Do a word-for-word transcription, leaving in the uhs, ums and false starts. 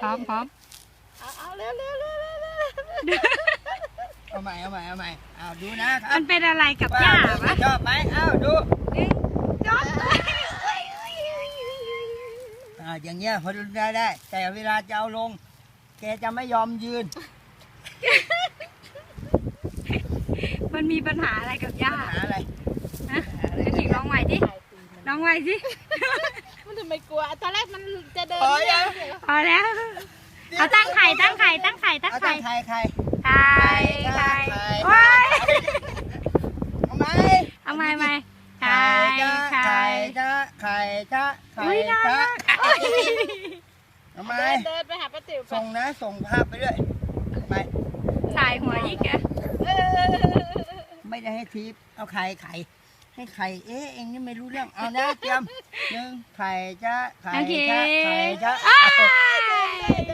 ร้อมพร้อมเอาเอาเร็วเร็วเร็วเร็วเร็วเอาใหม่เอาใหม่เอาใหม่เอาดูนะครับมันเป็นอะไรกับหญ้าวะชอบไหมเอาดูจอดเลยอ่าอย่างเงี้ยพอดูได้ได้แต่เวลาจะเอาลงแกจะไม่ยอมยืนมันมีปัญหาอะไรกับหญ้าหาอะไรฮะเดี๋ยวถิงลองใหม่ดิลองใหม่สิมันทำไมกลัวตอนแรกมันจะเดินพอยังพอแล้วเอาตั้งไข่ตั้งไข่ตั้งไข่ตั้งเอาไข่ตั้งไข่ไข่ไข่ไข่โอ้ยเอาไหมเอาใหม่ใหม่ไข่จ้าไข่ไข่จ้าไข่จ้าไข่อุ้ยน่าจ้ารักโอ้ยเอาไหมเดินเดินไปหาป้าติ๋วไปส่งนะส่งภาพไปด้วยไปสายหัวอีกอะเออไม่ได้ให้ทิปเอาไข่ไข่ให้ไข่เอ๊ะเองนี่ไม่รู้เรื่องเอานะเตรียมหนึ่งไข่จ้าไข่โอเคจ้าไข่จ้าอ้ายเดิน